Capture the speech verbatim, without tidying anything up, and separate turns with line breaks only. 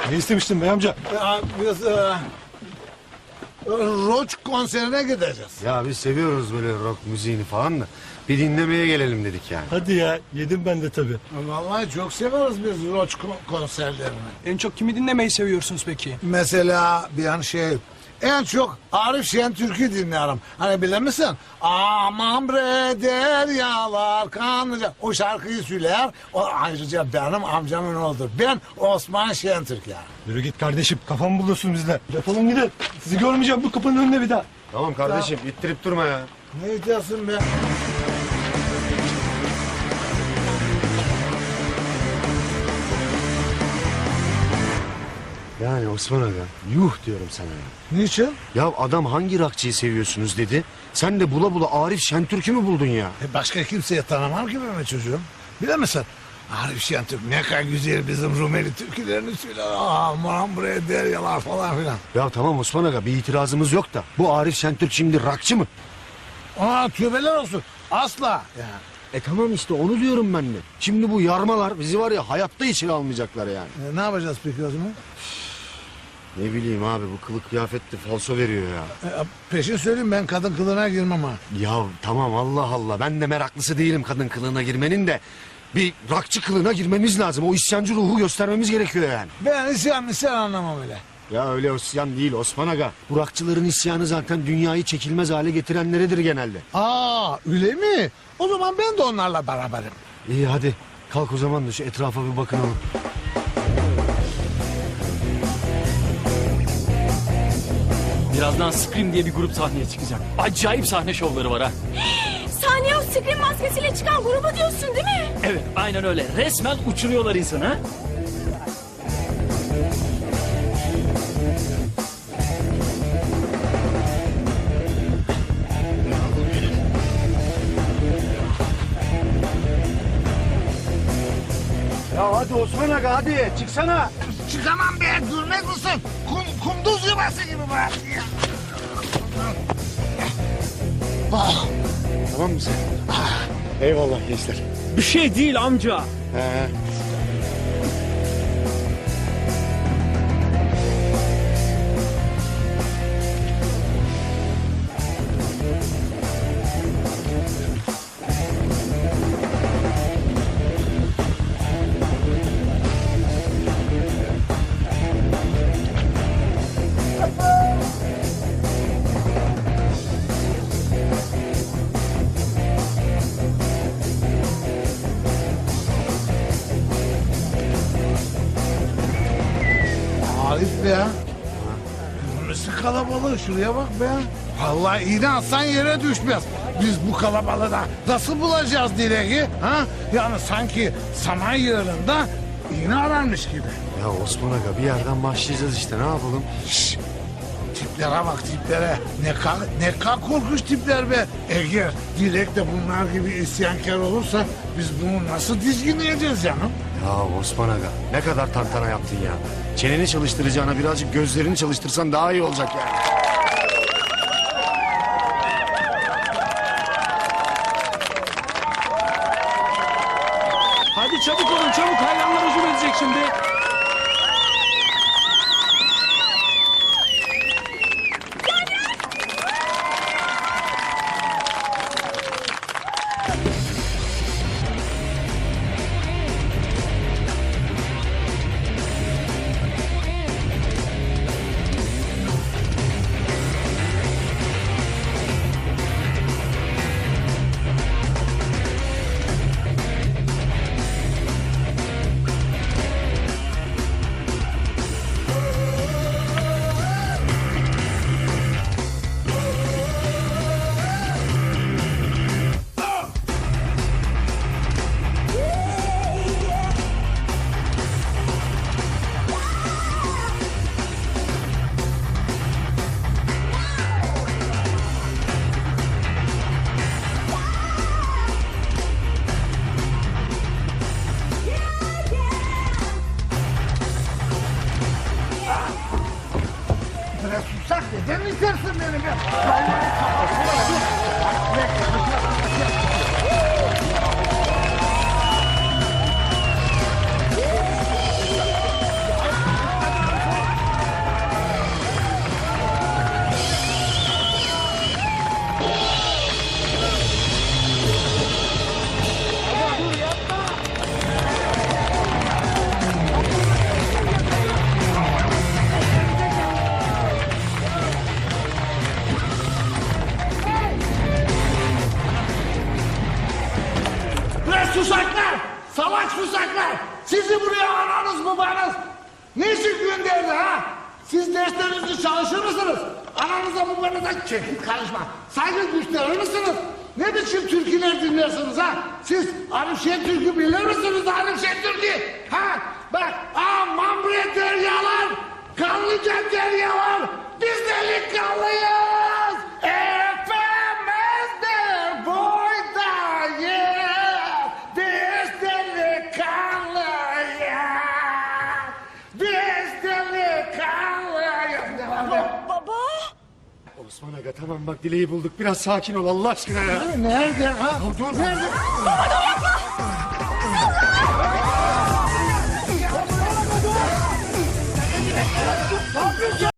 Ne istemiştin bey amca?
Ya biz e, rock konserine gideceğiz.
Ya biz seviyoruz böyle rock müziğini falan da. Bir dinlemeye gelelim dedik yani.
Hadi ya, yedim ben de tabii.
Vallahi çok seviyoruz biz rock ko- konserlerini.
En çok kimi dinlemeyi seviyorsunuz peki?
Mesela bir an şey... En çok Arif Şentürk'ü dinlerim. Hani bilir misin? Aman bre deryalar kanlıca. O şarkıyı söyler. O ayrıca benim amcamın oğludur. Ben Osman Şentürk yani.
Yürü git kardeşim, kafamı buluyorsun bizle. Defolun gidin. Sizi görmeyeceğim bu kapının önünde bir daha.
Tamam kardeşim ittirip durma ya.
Ne diyorsun be?
Yani Osman Aga yuh diyorum sana ya.
Niçin?
Ya adam hangi rockçıyı seviyorsunuz dedi. Sen de bula bula Arif Şentürk'ü mü buldun ya?
E başka kimseye tanımam ki ben çocuğum. Bilir misin? Arif Şentürk ne kadar güzel bizim Rumeli türkülerini söyler. Aman bre deryalar falan filan.
Ya tamam Osman Aga bir itirazımız yok da. Bu Arif Şentürk şimdi rockçı mı?
Aa tövbeler olsun. Asla. Ya.
E tamam işte onu diyorum ben de. Şimdi bu yarmalar bizi var ya hayatta içeri almayacaklar yani.
E, ne yapacağız peki o zaman?
Ne bileyim abi bu kılık kıyafetli falso veriyor ya.
E, peşin söyleyeyim ben kadın kılığına girmem ha.
Ya tamam Allah Allah ben de meraklısı değilim kadın kılığına girmenin de. Bir rockçı kılığına girmemiz lazım. O isyancı ruhu göstermemiz gerekiyor yani.
Ben isyan isyan anlamam öyle.
Ya öyle isyan değil Osman Aga. Bu rockçıların isyanı zaten dünyayı çekilmez hale getirenleridir genelde.
Aa öyle mi? O zaman ben de onlarla beraberim.
İyi hadi kalk o zaman da şu etrafa bir bakınalım.
Birazdan Scream diye bir grup sahneye çıkacak. Acayip sahne şovları var ha.
Sahneye o Scream maskesiyle çıkan grubu diyorsun değil mi?
Evet aynen öyle. Resmen uçuruyorlar insanı ha.
Ya hadi Osman Aga hadi çıksana.
Çıkamam be durmaz mısın? Kum, kumduz yuvası gibi burası ya. Ah,
Tamam mı sen? Eyvallah gençler.
Bir şey değil amca.
He.
Arif be ya. Nasıl kalabalık şuraya bak be. Vallahi iğne atsan yere düşmez. Biz bu kalabalığı da nasıl bulacağız Dilek'i? Ha? Yani sanki saman yığınında iğne ararmış gibi.
Ya Osman Aga bir yerden başlayacağız işte ne yapalım?
Şşş. Tiplere bak tiplere. Ne kadar, ne kadar korkunç tipler be. Eğer Dilek de bunlar gibi isyankar olursa biz bunu nasıl dizginleyeceğiz canım?
Ya Osman Aga ne kadar tantana yaptın ya. Çeneni çalıştıracağına birazcık gözlerini çalıştırsan daha iyi olacak yani.
Hadi çabuk olun çabuk. Hayranlar hücum edecek şimdi.
susaklar! Salak susaklar! Sizi buraya ananız babanız niçin gönderdi ha? Siz derslerinizi çalışır mısınız? Ananıza babanıza çekil karışma. Saygı gösterir misiniz? Ne biçim türküler dinlersiniz ha? Siz Arif Şentürk'ü bilir misiniz Arif Şentürk'ü? Ha? Bak aman bre deryalar! Kanlıca deryalar! Biz delikanlıyız! Efemez de boydayız! Biz delikanlıyız! Biz delikanlıyız! Devam et.
Baba.
Osman Aga tamam bak dileği bulduk. Biraz sakin ol Allah aşkına ya.
Nerede ha?
Dur.
Nerede?
Baba dur yapma.